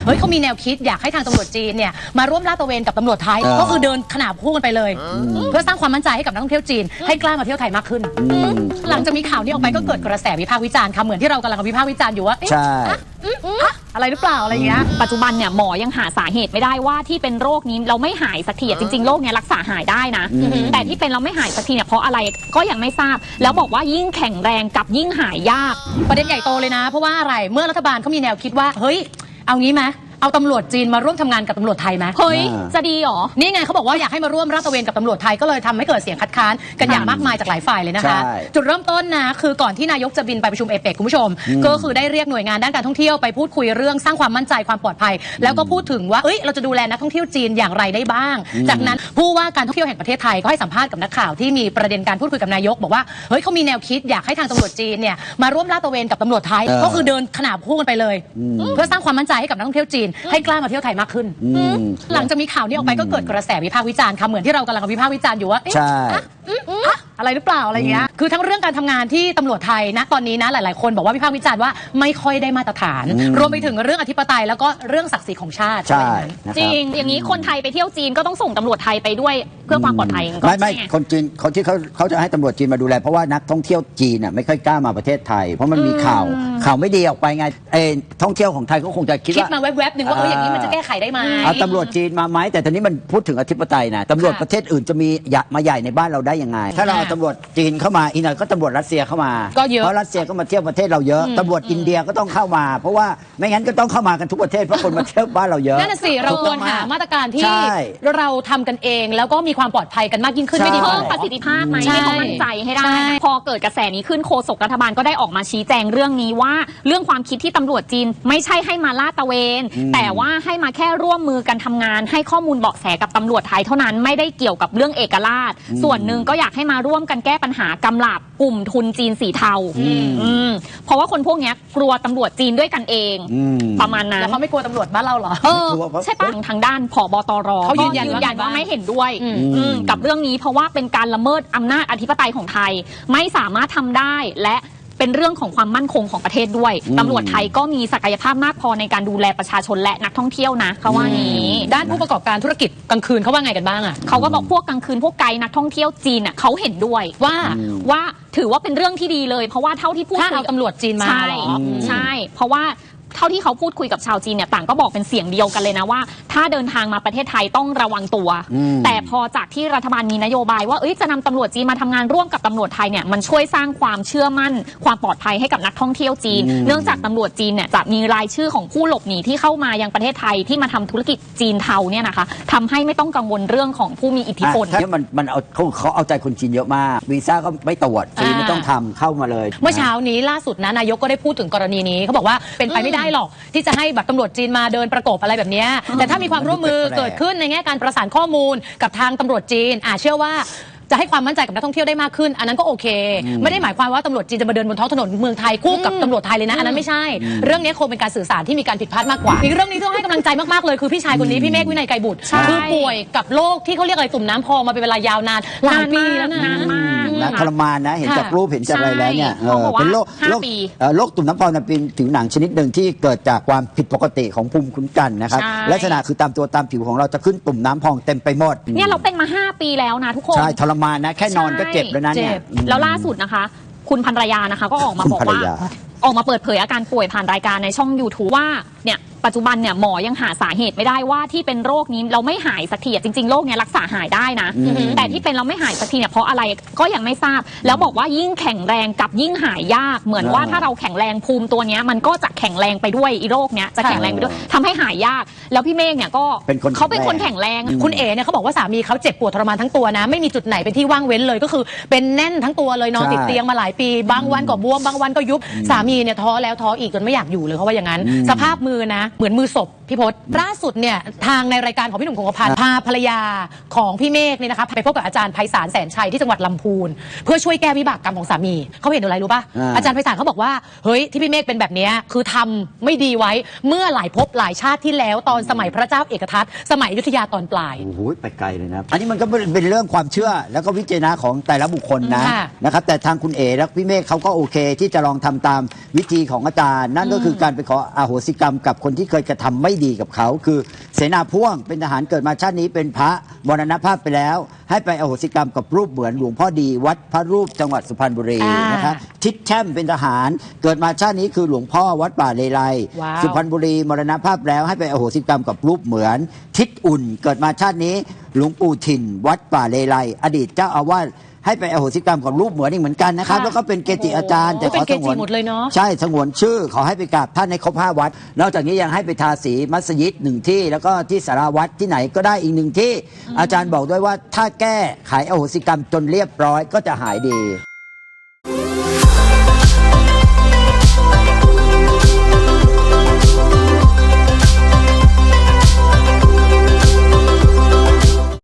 เฮ้ยเขามีแนวคิดอยากให้ทางตำรวจจีนเนี่ยมาร่วมลาดตระเวนกับตำรวจไทยก็คือเดินขนาบคู่กันไปเลยเพื่อสร้างความมั่นใจให้กับนักท่องเที่ยวจีนให้กล้ามาเที่ยวไทยมากขึ้นหลังจากมีข่าวนี้ออกไปก็เกิดกระแสวิพากษ์วิจารณ์ค่ะเหมือนที่เรากำลังวิพากษ์วิจารณ์อยู่ว่าใช่อะไรหรือเปล่าอะไรเงี้ยปัจจุบันเนี่ยหมอยังหาสาเหตุไม่ได้ว่าที่เป็นโรคนี้เราไม่หายสักทีจริงๆโรคเนี้ยรักษาหายได้นะแต่ที่เป็นเราไม่หายสักทีเนี่ยเพราะอะไรก็ยังไม่ทราบแล้วบอกว่ายิ่งแข็งแรงกับยิ่งหายยากประเด็นใหญ่โตเลยนะเพราะว่าอะไรเมื่อรัฐบาลเขามีแนวคิดว่าเฮ้ยเอางี้ไหมเอาตำรวจจีนมาร่วมทำงานกับตำรวจไทยไหมเฮ้ยจะดีหรอนี่ไงเขาบอกว่าอยากให้มาร่วมลาดตระเวนกับตำรวจไทยก็เลยทำให้เกิดเสียงคัดค้านกันอย่างมากมายจากหลายฝ่ายเลยนะคะจุดเริ่มต้นนะคือก่อนที่นายกจะบินไปประชุมเอเปกคุณผู้ชมก็คือได้เรียกหน่วยงานด้านการท่องเที่ยวไปพูดคุยเรื่องสร้างความมั่นใจความปลอดภัยแล้วก็พูดถึงว่าเราจะดูแลนักท่องเที่ยวจีนอย่างไรได้บ้างจากนั้นผู้ว่าการท่องเที่ยวแห่งประเทศไทยก็ให้สัมภาษณ์กับนักข่าวที่มีประเด็นการพูดคุยกับนายกบอกว่าเฮ้ยเขามีแนวคิดอยากให้ทางตำรวจจีนเนี่ยมาร่วมลาดตระเวนกับตำรวจไทยก็คือเดินขนาบคู่กันไปเลยเพื่อสร้างความมั่นใจให้กับนักท่องเที่ยวจีนให้กล้ามาเที่ยวไทยมากขึ้นหลังจากมีข่าวนี้ออกไปก็เกิดกระแสวิพากษ์วิจารณ์ค่ะเหมือนที่เรากำลังวิพากษ์วิจารณ์อยู่ว่าอะไรหรือเปล่าอะไรเงี้ยคือทั้งเรื่องการทำงานที่ตำรวจไทยนะตอนนี้นะหลายๆคนบอกว่าวิพากษ์วิจารณ์ว่าไม่ค่อยได้มาตรฐานรวมไปถึงเรื่องอธิปไตยแล้วก็เรื่องศักดิ์ศรีของชาติจริงอย่างนี้คนไทยไปเที่ยวจีนก็ต้องส่งตำรวจไทยไปด้วยเพื่อความปลอดภัยไม่คนจีนคนที่เขาจะให้ตำรวจจีนมาดูแลเพราะว่านักท่องเที่ยวจีนน่ะไม่ค่อยกล้ามาประเทศไทยเพราะมันมีข่าวไม่ดีออกไปไงท่องเที่ยวของไทยก็คงจะคิดมาแวบๆหนึ่งว่าอย่างนี้มันจะแก้ไขได้ไหมเอาตำรวจจีนมาไหมแต่ตอนนี้มันพูดถึงอธิปไตยนะตำรวจประเทศอื่นจะมีมาใหญ่ในบ้านเราได้ยังไงถ้าเราเอาตำรวจจีนเข้ามาอีกหน่อยก็ตำรวจรัสเซียเข้ามาก็เยอะเพราะรัสเซียก็มาเที่ยวประเทศเราเยอะตำรวจอินเดียก็ต้องเข้ามาเพราะว่าไม่งั้นก็ต้องเข้ามากันทุกประเทศเพราะคนมาเที่ยวบ้านเราเยอะนั่นสิเราควรหามาตรการที่เราทำกันเองแล้วก็มีความปลอดภัยกันมากยิ่งขึ้นไม่ดีเพิ่มประสิทธิภาพไหมให้เขามั่นใจให้ได้พอเกิดกระแสนี้ขึ้นโฆษกรัฐบาลก็ได้ออกมาชี้แจงเรื่องนี้ว่าเรื่องความคิดที่ตำรวจจีนไม่ใช่ให้มาลาดตระเวนแต่ว่าให้มาแค่ร่วมมือกันทำงานให้ข้อมูลเบาะแสกับตำรวจไทยเท่านั้นไม่ได้เกี่ยวกับเรื่องเอกราชส่วนหนึ่งก็อยากให้มาร่วมกันแก้ปัญหากำลับกลุ่มทุนจีนสีเทาเพราะว่าคนพวกนี้กลัวตำรวจจีนด้วยกันเองประมาณนั้นแล้วเขาไม่กลัวตำรวจบ้านเราเหรอใช่ปะทางด้านผบตรเขายืนยันว่าไม่เห็นด้วยกับเรื่องนี้เพราะว่าเป็นการละเมิดอำนาจอธิปไตยของไทยไม่สามารถทำได้และเป็นเรื่องของความมั่นคงของประเทศด้วยตำรวจไทยก็มีศักยภาพมากพอในการดูแลประชาชนและนักท่องเที่ยวนะเขาว่านี้ด้านผู้ประกอบการธุรกิจกลางคืนเขาว่าไงกันบ้างอ่ะเขาก็บอกพวกกลางคืนพวกไกด์นักท่องเที่ยวจีนอ่ะเขาเห็นด้วยว่าถือว่าเป็นเรื่องที่ดีเลยเพราะว่าเท่าที่พูดคุยกับตำรวจจีนมาใช่เพราะว่าเท่าที่เขาพูดคุยกับชาวจีนเนี่ยต่างก็บอกเป็นเสียงเดียวกันเลยนะว่าถ้าเดินทางมาประเทศไทยต้องระวังตัวแต่พอจากที่รัฐบาลมีนโยบายว่าจะนำตำรวจจีนมาทำงานร่วมกับตำรวจไทยเนี่ยมันช่วยสร้างความเชื่อมั่นความปลอดภัยให้กับนักท่องเที่ยวจีนเนื่องจากตำรวจจีนเนี่ยจะมีรายชื่อของผู้หลบหนีที่เข้ามายังประเทศไทยที่มาทำธุรกิจจีนเทาเนี่ยนะคะทำให้ไม่ต้องกังวลเรื่องของผู้มีอิทธิพลเนี่ยมันเขาเอาใจคนจีนเยอะมากวีซ่าก็ไม่ตรวจจีนไม่ต้องทำเข้ามาเลยเมื่อเช้านี้ล่าสุดนะนายกก็ได้พูดถึงกรณีนี้เขาบอกว่าเป็นไปไม่ได้หรอกที่จะให้แบบตำรวจจีนมาเดินประกบอะไรแบบนี้แต่ถ้ามีความร่วมมือเกิดขึ้นในแง่การประสานข้อมูลกับทางตำรวจจีนเชื่อว่าจะให้ความมั่นใจกับนักท่องเที่ยวได้มากขึ้นอันนั้นก็โอเคไม่ได้หมายความว่าตำรวจจีนจะมาเดินบนท้องถนนเมืองไทยคู่กับตำรวจไทยเลยนะอันนั้นไม่ใช่เรื่องนี้คงเป็นการสื่อสารที่มีการผิดพลาดมากกว่าอีกเรื่องนี้ต้องให้กำลังใจมากๆเลยคือพี่ชายคนนี้พี่เมฆวินัยไกรบุตรคือป่วยกับโรคที่เขาเรียกอะไรตุ่มน้ำพองมาเป็นเวลายาวนานหลายปีแล้วนะทรมานนะเห็นจากรูปเห็นจากอะไรแล้วเนี่ยเป็นโรคตุ่มน้ำพองเป็นผิวหนังชนิดหนึ่งที่เกิดจากความผิดปกติของภูมิคุ้มกันนะครับลักษณะคือตามตัวตามผิวของเราจะขึ้นตุ่มน้ำพองเต็มไปหมดเนี่ยเราเป็นมา5 ปีแล้วนะทุกคนใช่ทรมานนะแค่นอนก็เจ็บแล้วนะเนี่ยแล้วล่าสุดนะคะคุณภรรยานะคะก็ออกมาบอกว่าออกมาเปิดเผยอาการป่วยผ่านรายการในช่อง YouTube ว่าเนี่ยปัจจุบันเนี่ยหมอยังหาสาเหตุไม่ได้ว่าที่เป็นโรคนี้เราไม่หายสักทีจริงๆโรคเนี้ยรักษาหายได้นะแต่ที่เป็นเราไม่หายสักทีเนี่ยเพราะอะไรก็ยังไม่ทราบแล้วบอกว่ายิ่งแข็งแรงกับยิ่งหายยากเหมือนว่าถ้าเราแข็งแรงภูมิตัวเนี้ยมันก็จะแข็งแรงไปด้วยอีโรคเนี้ยจะแข็งแรงไปด้วยทำให้หายยากแล้วพี่เมฆเนี่ยก็เขาเป็นคนแข็งแรงคุณเอ๋เนี่ยเขาบอกว่าสามีเขาเจ็บปวดทรมานทั้งตัวนะไม่มีจุดไหนเป็นที่ว่างเว้นเลยก็คือเป็นแน่นทั้งตัวเลยนอนติดเตียงมาหลายปีบางวันก็บวมบางวันก็ยุบสามีเนี่ยท้อแล้วท้ออีกจนไม่อยากอยู่เลยเขาว่าอย่างนั้นสภาพมือนะเหมือนมือศพพี่พศล่าสุดเนี่ยทางในรายการของพี่หนุ่มคงกระพันธ์พาภรรยาของพี่เมฆเนี่ยนะคะไปพบกับอาจารย์ไพศาลแสนชัยที่จังหวัดลำพูนเพื่อช่วยแก้วิบากกรรมของสามีเขาเห็นอะไรรู้ป่ะอาจารย์ไพศาลเขาบอกว่าเฮ้ยที่พี่เมฆเป็นแบบนี้คือทำไม่ดีไว้เมื่อหลายภพหลายชาติที่แล้วตอนสมัยพระเจ้าเอกทัตสมัยอยุธยาตอนปลายโอ้โหไปไกลเลยนะอันนี้มันก็เป็นเรื่องความเชื่อแล้วก็วิจารณะของแต่ละบุคคลนะครับแต่ทางคุณเอ๋และพี่เมฆเขาก็โอเคที่จะลองทำตามวิธีของอาจารย์นั่นก็คือการไปขออโหสิกรรมกับคนที่ที่เคยกระทำไม่ดีกับเขาคือเสนาพ่วงเป็นทหารเกิดมาชาตินี้เป็นพระมรณภาพไปแล้วให้ไปอโหสิกรรมกับรูปเหมือนหลวงพ่อดีวัดพระรูปจังหวัดสุพรรณบุรีนะคะทิศแช่มเป็นทหารเกิดมาชาตินี้คือหลวงพ่อวัดป่าเลไลสุพรรณบุรีมรณภาพแล้วให้ไปอโหสิกรรมกับรูปเหมือนทิศอุ่นเกิดมาชาตินี้หลวงปู่ถิ่นวัดป่าเลไลอดีตเจ้าอาวาสให้ไปอโหสิกรรมกับรูปเหมือนอีกเหมือนกันนะครับแล้วก็เป็นเกจิอาจารย์แต่ขอสงวนหมดเลยเนาะใช่สงวนชื่อขอให้ไปกราบท่านในครบ5 วัดนอกจากนี้ยังให้ไปทาสีมัสยิด1 ที่แล้วก็ที่สาราวัดที่ไหนก็ได้อีก1 ที่อาจารย์บอกด้วยว่าถ้าแก้ไขอโหสิกรรมจนเรียบร้อยก็จะหายดี